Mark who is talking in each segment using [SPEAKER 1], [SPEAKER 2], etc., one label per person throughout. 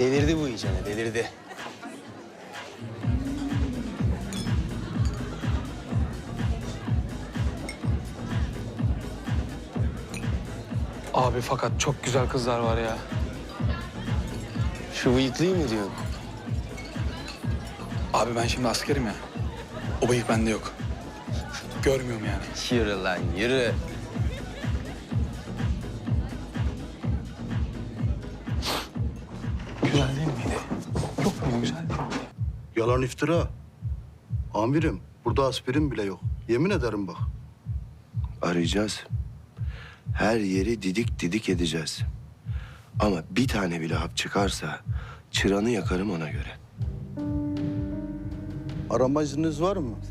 [SPEAKER 1] Delirdi bu iyicene, delirdi.
[SPEAKER 2] Abi fakat çok güzel kızlar var ya.
[SPEAKER 1] Şu bıyıklıyı mı diyorsun?
[SPEAKER 2] Abi ben şimdi askerim ya. O bıyık bende yok. Görmüyorum yani.
[SPEAKER 1] Yürü lan, yürü.
[SPEAKER 2] Güzel değil miydi? Yok mu güzel değil miydi?
[SPEAKER 3] Yalan iftira. Amirim, burada aspirin bile yok. Yemin ederim bak.
[SPEAKER 4] Arayacağız. Her yeri didik didik edeceğiz. Ama bir tane bile hap çıkarsa çıranı yakarım ona göre.
[SPEAKER 3] Arama izniniz var mı?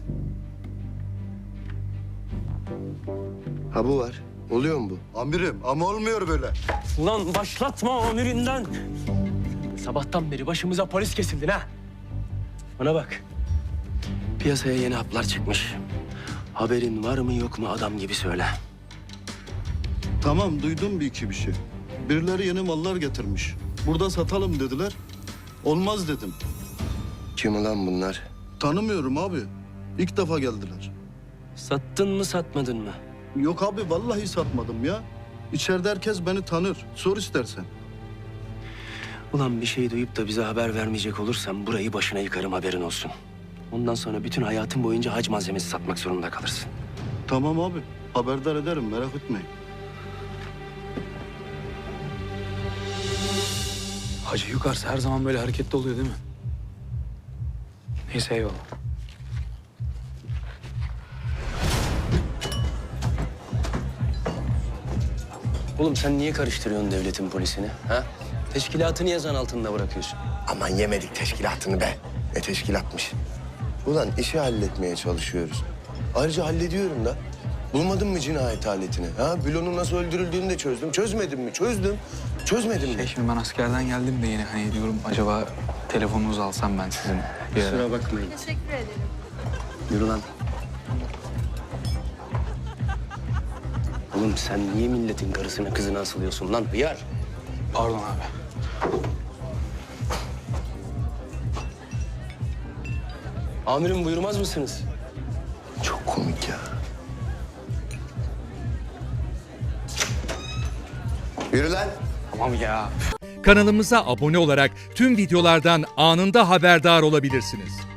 [SPEAKER 4] Ha bu var. Oluyor mu bu?
[SPEAKER 3] Amirim ama olmuyor böyle.
[SPEAKER 5] Ulan başlatma amirinden. Sabahtan beri başımıza polis kesildin ha. Bana bak.
[SPEAKER 4] Piyasaya yeni haplar çıkmış. Haberin var mı yok mu adam gibi söyle.
[SPEAKER 3] Tamam duydum bir iki bir şey. Birileri yeni mallar getirmiş. Burada satalım dediler. Olmaz dedim.
[SPEAKER 4] Kim ulan bunlar?
[SPEAKER 3] Tanımıyorum abi. İlk defa geldiler.
[SPEAKER 5] Sattın mı satmadın mı?
[SPEAKER 3] Yok abi vallahi satmadım ya. İçeride herkes beni tanır. Sor istersen.
[SPEAKER 4] Ulan bir şey duyup da bize haber vermeyecek olursan burayı başına yıkarım haberin olsun. Ondan sonra bütün hayatın boyunca hac malzemesi satmak zorunda kalırsın.
[SPEAKER 3] Tamam abi. Haberdar ederim merak etmeyin.
[SPEAKER 2] Hacı yukarısı her zaman böyle hareketli oluyor değil mi? Neyse eyvallah.
[SPEAKER 1] Oğlum sen niye karıştırıyorsun devletin polisini, ha? Teşkilatı niye zan altında bırakıyorsun?
[SPEAKER 4] Aman yemedik teşkilatını be. Ne teşkilatmış. Ulan işi halletmeye çalışıyoruz. Ayrıca hallediyorum da. Bulmadın mı cinayet aletini? Ha? Bülon'un nasıl öldürüldüğünü de çözdüm. Çözmedim mi? Çözdüm. Çözmedim mi?
[SPEAKER 2] Şimdi ben askerden geldim de yine hani diyorum acaba telefonunuzu alsam ben sizin bir ara.
[SPEAKER 1] Kusura bakmayın.
[SPEAKER 6] Teşekkür ederim.
[SPEAKER 1] Yürü lan. Oğlum sen niye milletin karısına kızına asılıyorsun lan hıyar?
[SPEAKER 2] Pardon abi.
[SPEAKER 1] Amirim buyurmaz mısınız?
[SPEAKER 4] Çok komik ya. Yürü lan.
[SPEAKER 2] Tamam ya.
[SPEAKER 7] Kanalımıza abone olarak tüm videolardan anında haberdar olabilirsiniz.